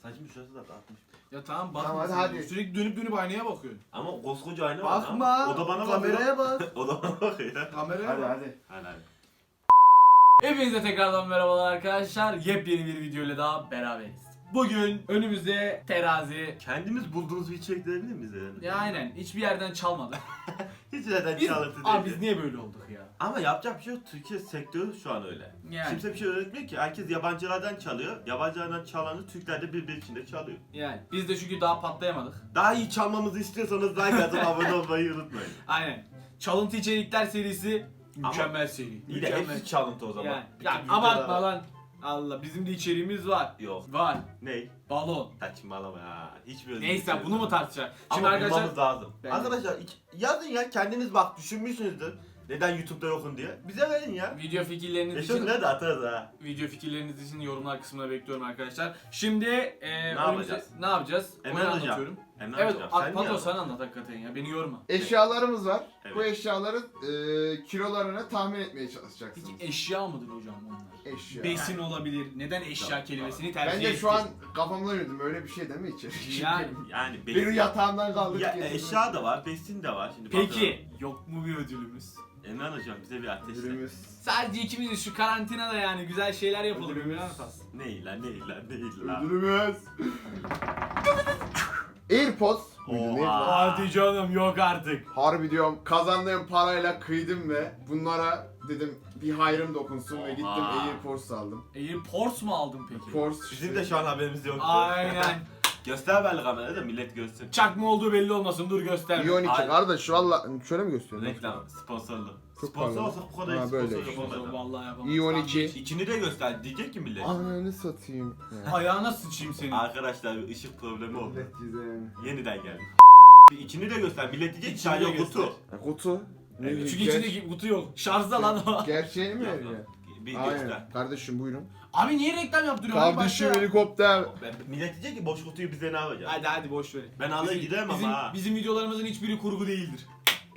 Saçımın şurası da kalkmış. Ya tamam bakma. Tamam, sen. hadi. Sürekli dönüp aynaya bakıyorsun. Ama koskoca ayna var. Bakma. lan. O da bana kameraya bakıyor. bak. O da bana bakıyor. Kameraya Hadi bak. hadi. Hadi. Hepinize tekrardan merhabalar arkadaşlar. Yepyeni bir videoyla daha beraberiz. Bugün önümüzde terazi. Kendimiz bulduğumuz bir içerik verebilir miyiz yani? Ya aynen hiçbir yerden çalmadı. Hiç neden Biz, çalıntı abi değil. biz niye böyle olduk ya? Ama yapacak bir şey yok. Türkiye sektörü şu an öyle. Yani. Kimse bir şey öğretmiyor ki. Herkes yabancılardan çalıyor. Yabancılardan çalanı Türkler de birbiri içinde çalıyor. Yani biz de çünkü daha patlayamadık. Daha iyi çalmamızı istiyorsanız like atıp abone olmayı unutmayın. Aynen. Çalıntı içerikler serisi mükemmel seri. İyi de Mükemmel. hepsi çalıntı o zaman. Yani. Bütün Ya videolar- abartma lan. Allah bizim de içeriğimiz var. Yok. Var. Ney? Balon. Saçmalama ya. Hiçbir Neyse bunu mu tartışacağız? Ama arkadaşlar bulmamız lazım. Bence. Arkadaşlar yazın ya kendiniz bak düşünmüşsünüzdür. Neden YouTube'da yokun diye. Bize verin ya. video fikirleriniz Yaşın için nerede atarız ha. video fikirleriniz için yorumlar kısmına bekliyorum arkadaşlar. Şimdi yapacağız? Ne yapacağız? Emre Onu Hocam. anlatıyorum. Emre Evet, Hocam, sen niye Pato anladın? sen anlat hakikaten ya. Beni yorma. Eşyalarımız var. Evet. Bu eşyaların kilolarını tahmin etmeye çalışacaksınız. Peki eşya mıdır hocam onlar? Eşya. Besin olabilir. Neden eşya Tamam, kelimesini Ben tercih de ettin? şu an kafamda yürüdüm. Öyle bir şey değil mi içeri? Yani. Yani Benim yatağımdan kaldık. ya, getirdim. eşya da var, besin de var. Şimdi Peki yok mu bir ödülümüz? Emre Hocam bize bir ateşle. Ödülümüz. Sadece ikimiz şu karantinada yani güzel şeyler yapalım. Ödülümüz. Ney lan ney lan ney lan. Ödülümüz. AirPods. Muydu, neydi lan? Hadi canım yok artık. Harbi diyorum kazandığım parayla kıydım ve bunlara dedim bir hayrım dokunsun ve gittim Oha. AirPods aldım. Airpods mu aldın peki? AirPods Bizim de şu an haberimiz yok. Aynen. Göster belli kamerada da millet görsün. Çakma olduğu belli olmasın dur göster. Ion 2 Ay- kardeş valla şöyle mi gösteriyorsun? Reklam, sponsorlu. Çok Sponsor pardon. olsak bu kadar Ha, iyi böyle sponsor işte. yapamaz. Vallahi yapamam. Ion 2. İçini de göster diyecek ki millet. Ananı satayım. Ayağına sıçayım seni. Arkadaşlar bir ışık problemi oldu. Millet güzel. Yeniden geldi. Bir içini de göster. Millet diyecek ki İçini de sadece göster. kutu. Kutu. Evet. Çünkü içindeki kutu yok. Şarjda lan o. Gerçeğini mi Yok, veriyor? yok. Bir göster. Aynen. Kardeşim buyurun. Abi niye reklam yaptırıyorsun? Hadi Kardeşim başla. helikopter. Millet diyecek ki boş kutuyu bize ne yapacağız? Hadi boş ver. Ben alır giderim bizim, ama ha. Bizim videolarımızın hiçbiri kurgu değildir.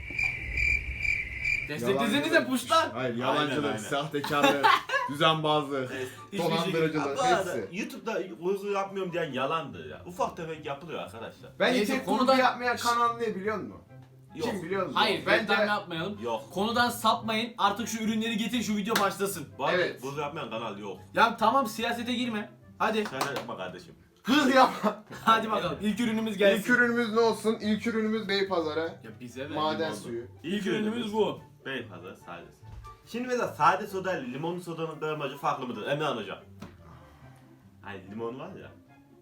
Desteklesenize Yalancılık. puşlar. Hayır Aynen, yalancılık, aynen. sahtekarlık, düzenbazlık, Evet. Hiçbir şey- dolandırıcılık Bu arada hepsi. YouTube'da uygu yapmıyorum diyen yalandı ya. Ufak tefek yapılıyor arkadaşlar. Bence Neyse, tek konudan- kurgu yapmayan kanal ne biliyor musun? Yok. Kim biliyor musun? Hayır Bence reklam yapmayalım. Yok. Konudan sapmayın. Artık şu ürünleri getir şu video başlasın. Bu arada Evet. bunu yapmayan kanal yok. Ya tamam siyasete girme. Hadi. Sen de yapma kardeşim. hız yapma. Hadi bakalım. İlk ürünümüz gelsin. İlk ürünümüz ne olsun? İlk ürünümüz Beypazarı. Ya bize ver. Maden limonlu. suyu. İlk ürünümüz bu. Beypazarı sade. Şimdi mesela sade soda ile limonlu sodanın gramajı farklı mıdır? Emirhan hocam. Hani limon var ya.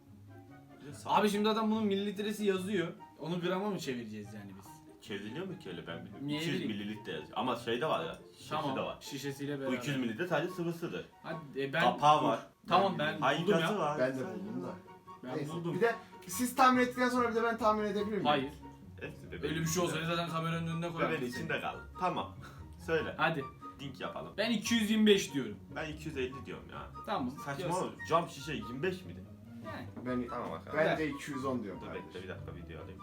Abi şimdi adam bunun mililitresi yazıyor. Onu grama mı çevireceğiz yani biz? çevriliyor mu ki öyle ben bilmiyorum. Niye 200 bileyim? mililitre yazıyor. Ama şey de var ya. Şişesi Tamam. de var. Şişesiyle Bu beraber. 200 mililitre sadece sıvısıdır. Hadi Kapağı dur. var. Tamam ben buldum Haykası ya. var. Ben de buldum da. Ben Neyse. buldum. Bir de siz tahmin ettikten sonra bir de ben tahmin edebilir miyim? Hayır. Hepsi bebeğin Öyle bir şey içinde. olsaydı zaten kameranın önüne koyardım. Bebeğin içinde kaldı. Tamam. Söyle. Hadi. Dink yapalım. Ben 225 diyorum. Ben 250 diyorum ya. Tamam. Saçma olur. Cam şişe 25 miydi? Yani. Ben, Tamam bakalım. ben de 210 diyorum. Dur kardeşim. bekle bir dakika video alayım.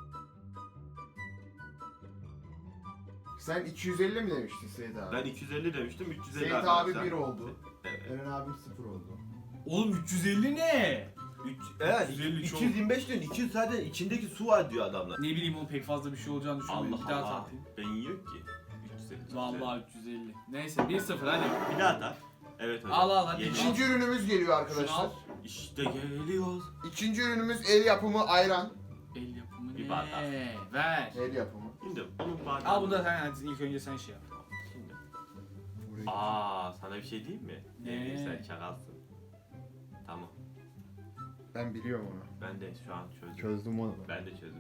Sen 250 mi demiştin Seyit abi? Ben 250 demiştim 350 Seyit abi arkadaşlar. 1 oldu. Evet. Eren abim 0 oldu. Oğlum 350 ne? Evet 350 çok. 225 diyorsun 200 zaten içindeki su var diyor adamlar. Ne bileyim o pek fazla bir şey olacağını düşünmüyorum. Allah Bir daha Allah. tartayım. Ben yiyor ki. 350. Vallahi 350. Neyse 1-0 hadi. Bir daha tar. Evet hocam. Al, al, hadi. Yedi. İkinci ürünümüz geliyor Şunu arkadaşlar. al. İşte geliyor. İkinci ürünümüz el yapımı ayran. El yapımı Bir ne? bardak. Ver. El yapımı. Şimdi onun bardağı. Al bunu da sen hadi ilk önce sen şey yap. Şimdi. Burayı- Aa sana bir şey diyeyim mi? Ne? Sen çakalsın. Tamam. Ben biliyorum onu. Ben de şu an çözdüm. Çözdüm onu. Ben de çözdüm.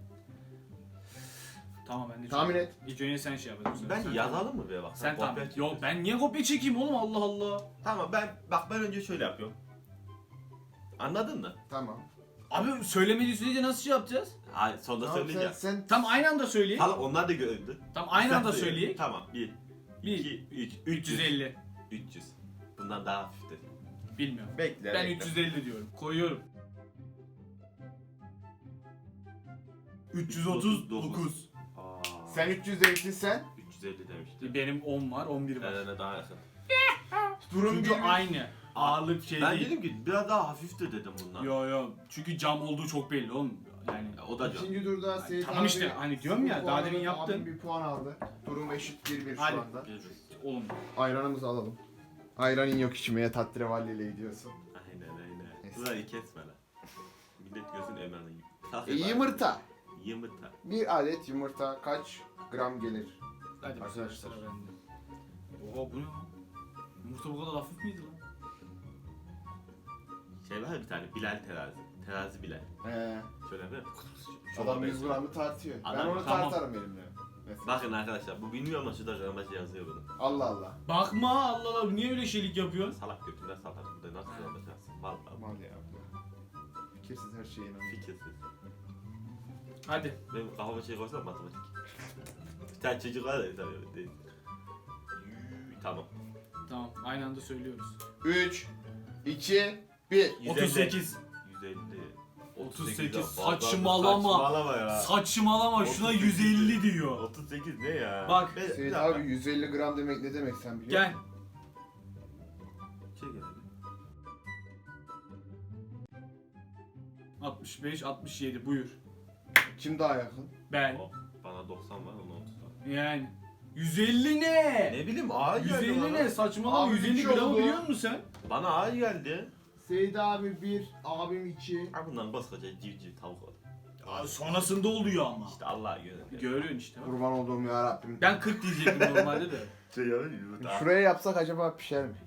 Tamam ben de Tahmin çok- et. İlk önce sen şey yap. hadi bu sefer. Ben Sen yazalım mı be bak? Sen kopya tamam. çekiyorsun. Yok ben niye kopya çekeyim oğlum Allah Allah. Tamam ben önce şöyle yapıyorum. Anladın mı? Tamam. Abi söylemediği sürece nasıl şey yapacağız? Hayır sonda Tamam, söyleyeceğim. sen Tam aynı anda söyleyeyim. Tamam onlar da gördü. Tam aynı Sen anda söyle. söyleyeyim. Tamam 1, 1, 2, 3, 350. 300. Bundan daha hafiftir. Bilmiyorum. Bekle. Ben bekle. 350 diyorum. Koyuyorum. 339. Aa, sen 300 demiştin sen. 350 demiştim. Benim 10 var, 11 var. Eren'e daha yakın. Durum Çünkü bir- aynı. ağırlık şey Ben değil. dedim ki biraz daha hafiftir dedim bundan. Yo. Çünkü cam olduğu çok belli oğlum. Yani Ya, o da can. İkinci turda Seyit tamam abi işte, hani diyorum ya, sıfır daha puan demin aldı, yaptın. abim bir puan aldı. Durum eşit 1-1 şu Hadi. anda. Oğlum. Ayranımızı alalım. Ayranın yok içmeye tatlrevalli ile gidiyorsun. Aynen. Neyse. Burayı kesme lan. Millet gözün emanı gibi. Yumurta. Yumurta. Bir adet yumurta kaç gram gelir? Hadi Arkadaşlar. arkadaşlar bende. Oha bu ne lan? Yumurta bu kadar hafif miydi lan? Şey var ya bir tane Bilal terazi. Terazi Bilal. Şöyle bir Adam 100 gramı tartıyor. Ben Adam- onu tamam. tartarım elimle. Mesela. Bakın arkadaşlar bu bilmiyor ama şurada gramajı yazıyor bunu. Allah Allah. Bakma Allah Allah, niye öyle şeylik yapıyorsun? Salak götünden salak. Bu da nasıl gramaj yazsın? Vallahi. Aman ya. Fikirsiz her şeye inanıyorum. Fikirsiz. Hadi. Benim kafama şey koysam matematik. Bir tane çocuk var ya tabii değil. Tamam. Tamam, aynı anda söylüyoruz. 3, 2, 1. 38. 150. 38, Fazla- saçmalama. Saçmalama ya. Saçmalama, şuna 38. 150 diyor. 38 ne ya? Bak. Bir Seyit dakika. abi 150 gram demek ne demek sen biliyor Gel. Şey geldi. 65, 67 buyur. musun? Kim daha yakın? Ben. Oh, bana 90 var ona 30 var. Yani. 150 ne? Ne bileyim ağır geldi 150 bana. ne? Saçmalama, Abi, 150 üç gramı oldu. biliyor musun sen? Bana ağır geldi. Seyit abi 1, abim 2. Ha bundan koskoca civciv tavuk oldu. Aa, sonrasında oluyor ama. İşte Allah'a göre. Görüyorsun işte. bak. Kurban olduğum ya Rabbim. Ben 40 diyecektim normalde de. Şey yumurta. Şuraya yapsak acaba pişer mi?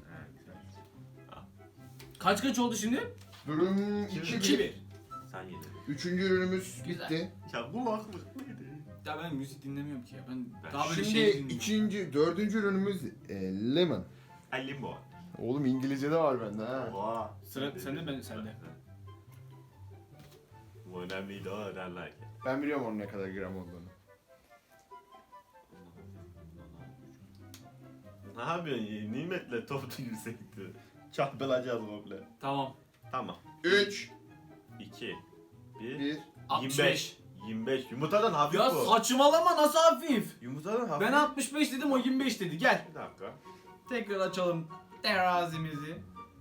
Kaç oldu şimdi? Durum Şimdi 2-1. 2-1. Sen yedin. Üçüncü ürünümüz Güzel. bitti. Ya bu aklık neydi? Ya ben müzik dinlemiyorum ki ya. Ben Ben daha böyle Şimdi şey dinliyorum. dördüncü ürünümüz lemon. Limbo. Oğlum İngilizce'de var bende ha. Oha. Sıra sende, ben sende. Bu önemliydi o önemli. Ben biliyorum onun ne kadar gram olduğunu. Ne yapıyorsun ya? Nimetle toplu yüksekti. Çarpılacağız komple. Tamam. Tamam. 3, 2 1 1. 25. 25. Yumurtadan hafif Ya bu. saçmalama, nasıl hafif? Yumurtadan hafif. Ben 65 dedim, o 25 dedi. Gel. Bir dakika. Tekrar açalım terazimizi.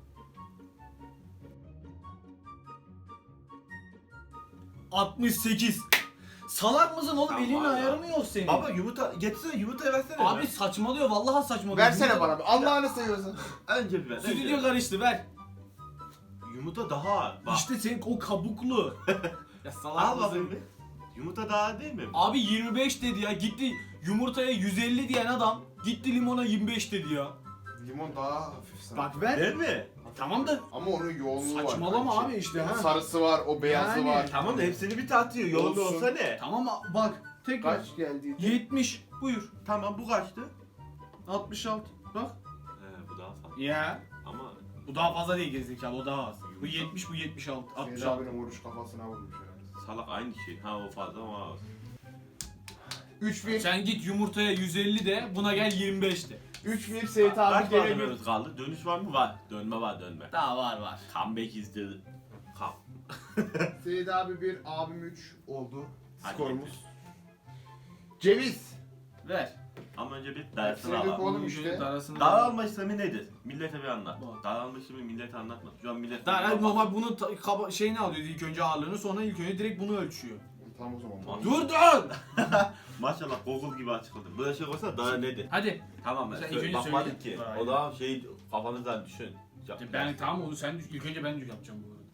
...68. Salak mısın oğlum? Tamam, Elinin var ayarı ya. mı yok senin? Baba yumurta getirsene yumurtayı versene. Abi ya. saçmalıyor, vallahi saçmalıyor. Versene bana bir. Allah'ını seviyorsan. Önce bir ver. Stüdyo önce. karıştı, ver. Yumurta daha ağır. Bak. İşte senin o kabuklu. Ya salak Al mısın? bakayım bir. Yumurta daha ağır değil mi? Abi 25 dedi ya, gitti yumurtaya 150 diyen adam gitti limona 25 dedi ya. Limon daha hafif sana. Bak ver. Değil mi? Tamam da Ama onun yoğunluğu var. saçmalama kanki. abi işte ha. Sarısı var, o beyazı Yani. var. Tamam da hepsini bir tartıyor. Yoğunluğu Olsun. olsa ne? Tamam bak tekrar. Kaç geldi? 70 buyur. Tamam bu kaçtı? 66 bak. He bu daha fazla. Ya. Ama Bu daha fazla değil gerizekalı, o daha az. Bu 70, bu 76, Seyit 66. abinin vuruş kafasına vurmuş herhalde. salak aynı şey. Ha o fazla ama az. 3-1. Sen git yumurtaya 150 de, buna gel 25 de. 3-1 Seyit Kaç abi gelebilir. malzememiz kaldı? Dönüş var mı? Var. Dönme var dönme. Daha var. Comeback izledi. Kam. Seyit abi 1, abim 3 oldu. Hadi Skorumuz. getir. Ceviz. Ver. Ama önce bir dersini Hepsini dök alalım. oğlum Bu işte. videonun arasında- Daralma işlemi nedir? Millete bir anlat. Bak. Daralma işlemi millete anlatma. Şu an millet... Daha normal bunu şeyini alıyor ilk önce ağırlığını, sonra ilk önce direkt bunu ölçüyor. Tamam o zaman. Tamam. Dur dur! Maşallah Google gibi açıkladım. Böyle şey olsa daha nedir? Hadi. Tamam ben Sen söyle, ilk önce bakmadık söyle. ki. Aynen. O zaman şey kafanızdan düşün. Ben tamam onu sen ilk önce ben yapacağım bu arada.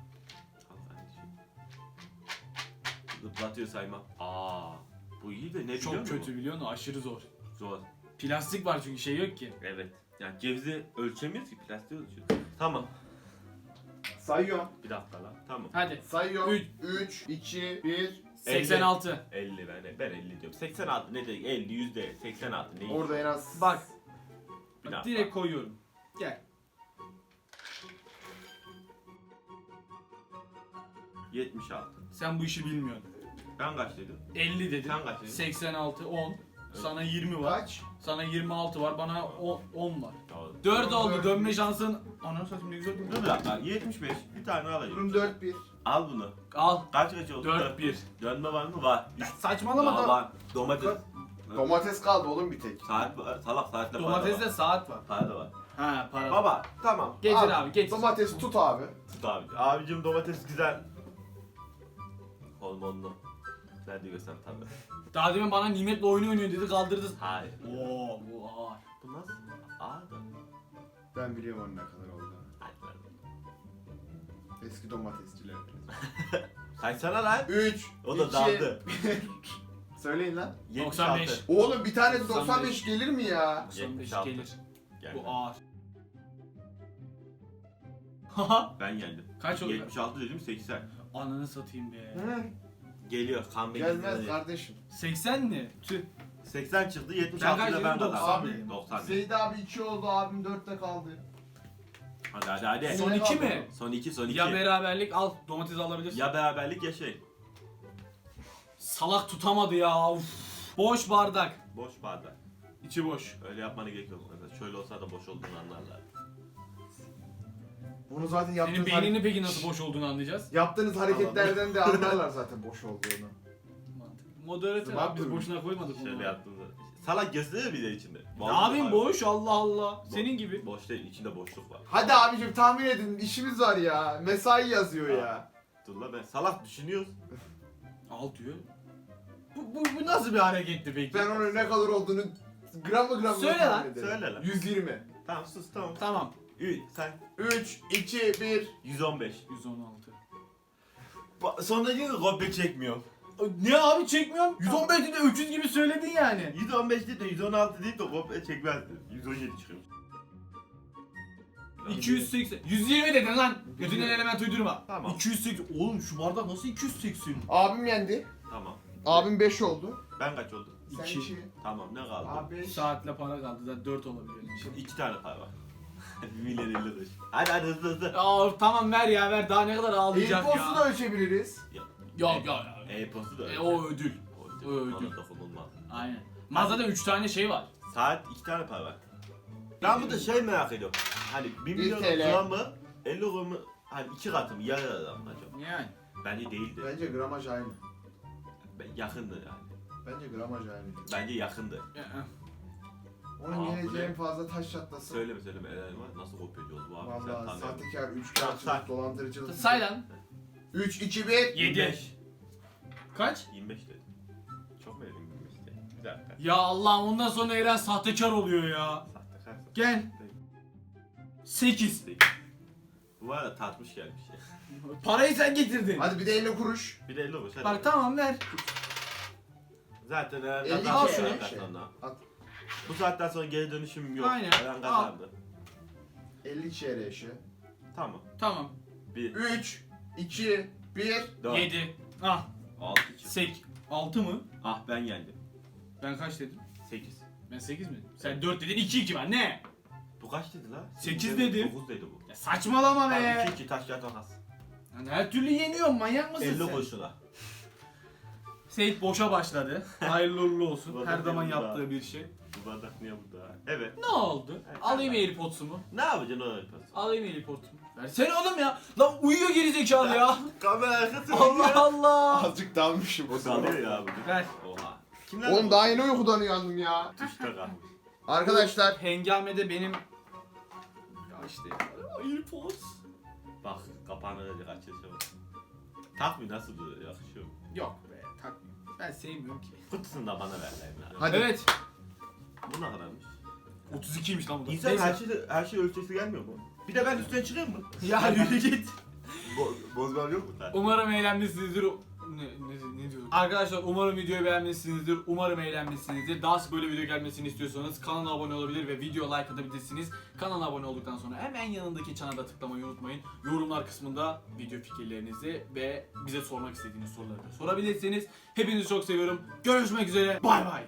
Zıplatıyor sayma. Aa, bu iyi de ne biliyor Çok musun? kötü biliyor musun? Aşırı zor. Zor. Plastik var çünkü şey yok ki. Evet. Yani cevizi ölçemiyoruz ki plastiği ölçüyoruz. Tamam. Sayıyorum. Bir dakika lan. Tamam. Hadi. Sayıyorum. Üç. 3, 2, 1. 86. 50 ben 50 diyorum. 86 ne dedik? 50 yüzde 86 ne? Orada en az. Bak. Bir dakika. Direkt koyuyorum. Gel. 76. Sen bu işi bilmiyorsun. Ben kaç dedim? 50 dedim. Sen kaç dedin? 86, 10. Sana 20 var. Kaç? Sana 26 var. Bana 10 var. Doğru. 4 oldu. Dört. Dönme şansın. Ananı satayım ne güzel Dur durdu. bir dakika. 75. Bir tane alayım. Durum 4-1. Al bunu. Al. Kaç oldu? 4-1. Dönme var mı? Var. Saçmalama Daha da. var. Domates. Domates kaldı oğlum bir tek. Saat var. Salak saatle para da var. Domateste saat var. Para da var. Ha para. Baba tamam. Getir abi getir. Domates tut abi. Tut abi. Abicim domates güzel. Hormonlu. Nerede göster tabi. Daha demin bana nimetle oyun oynuyor dedi kaldırdı. Hayır. Oo bu ağır. Bu nasıl? Aa da. Ben biliyorum onun ne kadar olduğunu. Hadi ver. Eski domatesçiler. Kaçsana lan. 3, O da daldı. Söyleyin lan. 95. Oğlum bir tanesi 95 95 gelir mi ya? 95 76. gelir. Geldi. Bu ağır. Haha. Ben geldim. Kaç oldu? 76 dedim 80. Ananı satayım be. Hı. Geliyor kan Gelmez bekliyor. kardeşim. 80 mi? Tüh. 80 çıktı Ben 76 kaç ile ben dedim? kazandım. 90 Abi, dedim. 90 dedim. Seyit abi 2 oldu, abim 4'te kaldı. Hadi hadi. Son Ne 2 kaldı? mi? Son 2 son 2. Ya beraberlik al domates alabilirsin. Ya beraberlik ya şey. Salak tutamadı ya. Uf. Boş bardak. Boş bardak. İçi boş. Öyle yapmana gerek yok. Mesela şöyle olsa da boş olduğunu anlarlar. Bunu zaten Senin yaptığınız, beyninin peki nasıl boş olduğunu anlayacağız. yaptığınız hareketlerden de anlarlar zaten boş olduğunu. Moderatör Bak abi biz bunu. boşuna koymadık Şöyle bunu. yaptığında. Salak gösteriyor bir de içinde. Ne yapayım boş Allah Allah. Senin gibi. Boş değil içinde boşluk var. Hadi abicim tahmin edin, işimiz var ya. Mesai yazıyor ya. Dur la ben salak düşünüyoruz. Al diyor. Bu nasıl bir hareketti peki? Ben onun ne kadar olduğunu gramı gramı Söyle tahmin lan, ederim. söyle lan. 120. Tamam sus tamam. Tamam. Sen 3, 2, 1. 115. 116. Sonra yine kopya çekmiyorum. Ne abi çekmiyorum. 115 de 300 gibi söyledin yani. 115 değil de 116 değil de kopya çekmezdi. 117 çıkıyor. 280. 120 dedin lan. Götünden element uydurma. Tamam. 280. Oğlum şu bardak nasıl 280? Abim yendi. Tamam. Abim 5 oldu. Ben kaç oldum? Sen İki. 2. Tamam ne kaldı? Abi 5. Saatle para kaldı da 4 olabilir. Şimdi 2 tane pay var. Milyon 50 kuruş. Hadi hızlı hızlı. Aa tamam ver ya ver daha ne kadar ağlayacak E-postu ya. da ölçebiliriz. Yok yok. E-postu da öyle. O ödül. O o ödül. ödül. Ona dokunulmaz. Aynen. Mağazada 3 tane şey var. Saat 2 tane pay var. Ben burada şey merak ediyorum. Hani 1 milyon TL. gramı 50 gramı hani 2 katı mı yarı adam mı acaba? Yani. Bence değildi. Bence gramaj aynı. Yakındı yani. Bence gramaj aynı. Bence yakındı. Onun Aa, geleceği bu ne? en fazla taş çatlasın. Söyleme söyleme Eren nasıl kopyacıyoruz bu abi sen Valla tanıyorsun. sahtekar, Tamam, say. üçkağıtçılık, dolandırıcılık. Say lan. 3, 2, 1. 7. 25. Kaç? 25 dedi. Çok mu dedim 25 dedi? Bir dakika. Ya Allah'ım ondan sonra Eren sahtekar oluyor ya. Sahtekar. Gel. 8. Bu arada tartmış gelmiş ya. Parayı sen getirdin. Hadi bir de 50 kuruş. Bir de 50 olmuş hadi. Bak tamam ver. Zaten Eren 52 kazandı. al şunu. bu saatten sonra. At. Bu saatten sonra geri dönüşüm yok. Aynen. Eren kazandı. 50 çeyreği eşi. Tamam. Tamam. 1, 3, 2, 1. 4, 7. Ah. 6 çıktı. 8. 6 mı? Ah ben geldim. Ben kaç dedim? 8. Ben 8 mi? Sen 4 dedin 2 ben ne? Bu kaç dedi la? 8 dedim. 9 dedi bu. Ya saçmalama be. Tamam 2 taş kağıt makas. Yani her türlü yeniyorum manyak mısın 50 sen? kuruşuna. Seyit boşa başladı. Hayırlı uğurlu olsun. Bu Her arada zaman benim yaptığı daha- bir şey. Bu bardak niye burada? Evet. Ne oldu? Evet, Alayım tamam. AirPods'umu. Ne yapacaksın o yapıyorsun? Alayım AirPods'umu. Versene oğlum ya. Lan uyuyor gerizekalı ya. Kamera arkası. Allah Allah. Azıcık dalmışım o Bu dalıyor ya bugün. Ver. Oha. Kimler Oğlum daha yeni uykudan uyandım ya. Tuşta kalmış. Arkadaşlar Hengamede benim... Ya işte AirPods. Bak kapağını öyle açılışa bak. Takmıyor nasıl duruyor yakışıyor. Yok be takmıyorum. Ben sevmiyorum ki. Kutusunu da bana ver lan. hadi. Evet. Bu ne kadarmış? 32'ymiş lan bu da. İnsan Neyse. her şey ölçüsü gelmiyor mu? Bir de ben üstüne çıkayım mı? Ya yürü git. Bozmam yok mu sen? Umarım eğlenmişsinizdir. Ne diyorum? Arkadaşlar umarım videoyu beğenmişsinizdir. Umarım eğlenmişsinizdir. Daha sık böyle video gelmesini istiyorsanız kanala abone olabilir ve video like atabilirsiniz. Kanala abone olduktan sonra hemen yanındaki çana da tıklamayı unutmayın. Yorumlar kısmında video fikirlerinizi ve bize sormak istediğiniz soruları da sorabilirsiniz. Hepinizi çok seviyorum. Görüşmek üzere. Bay bay.